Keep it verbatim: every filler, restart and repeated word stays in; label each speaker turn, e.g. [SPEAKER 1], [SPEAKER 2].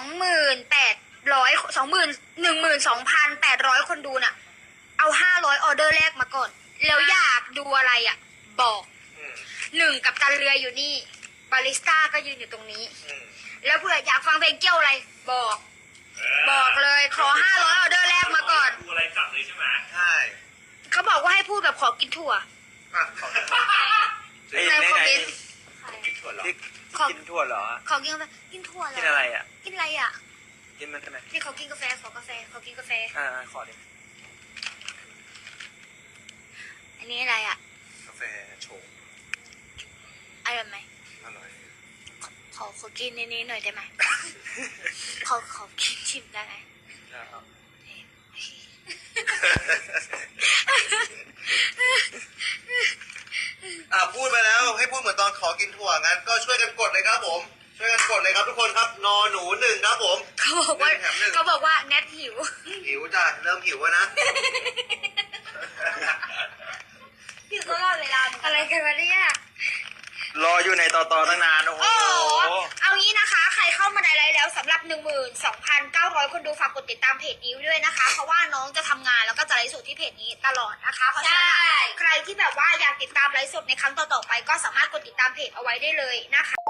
[SPEAKER 1] หมื่นแปดร้อยสองหมื่นหนึ่งหมื่นสองพันแปดร้อยคนดูน่ะ เอาห้าร้อยออเดอร์แรกมาก่อน แล้วอยากดูอะไรอ่ะ บอกหนึ่งกับตันเรืออยู่นี่ บาริสต้าก็ยืนอยู่ตรงนี้ แล้วเผื่ออยากฟังเพลงเกี่ยวอะไร บอก บอกเลยขอห้าร้อยออเดอร์แรกมาก่อน
[SPEAKER 2] ดูอะไรจัดเลยใช่ไหม
[SPEAKER 3] ใช่
[SPEAKER 1] เขาบอกว่าให้พูดแบบขอกินถั่ว
[SPEAKER 3] อ่ะขอ
[SPEAKER 1] ในคอมเมนต์
[SPEAKER 3] กินถั่วเหรอ
[SPEAKER 1] ขอ
[SPEAKER 3] กินถั่วเหรอ
[SPEAKER 1] ขอกินกาแฟกินถั่วเหรอ
[SPEAKER 3] กินอะไรอ่ะ
[SPEAKER 1] กินอะไรอ่ะ
[SPEAKER 3] กินมันทำไม
[SPEAKER 1] นี่เขากินกาแฟขอกาแฟเขากินกาแฟ
[SPEAKER 3] อ่าขอดิ
[SPEAKER 1] อันนี้อะไรอ่ะ
[SPEAKER 3] กาแฟโฉม
[SPEAKER 1] อร่อยไหม
[SPEAKER 3] อร่อย
[SPEAKER 1] ขอขอขอกินในนี้หน่อยได้ไหม ขอขอกินชิมได้ไหม
[SPEAKER 3] ครับ อ่ะพูดไปแล้วให้พูดเหมือนตอนขอกินถั่วงั้นก็ช่วยกันกดเลยครับผม ช่วยกันกดเลยครับทุกคนครับนอหนูหนึ่งครับผม
[SPEAKER 1] เขาบอกว่า
[SPEAKER 3] หนึ่งแถมหนึ่ง
[SPEAKER 1] เขาบอกว่าแนทหิว
[SPEAKER 3] หิวจ้ะเริ่มหิวแล้วนะ
[SPEAKER 1] หิวตลอดเวลาอะไรกันวะเนี่ย
[SPEAKER 3] รออยู่ในต่อต่อตั้งนานโอ้โห
[SPEAKER 1] โอ้โหเอางี้นะคะ ใครเข้ามาในไลฟ์แล้วสำหรับ หนึ่งหมื่นสองพันเก้าร้อย คนดูฝากกดติดตามเพจนี้ด้วยนะคะ เพราะว่าน้องจะทำงานแล้วก็จะไลฟ์สดที่เพจนี้ตลอดนะคะเพราะฉะนั้นใครที่แบบว่าอยากติดตามไลฟ์สดในครั้งต่อๆไปก็สามารถกดติดตามเพจเอาไว้ได้เลยนะคะ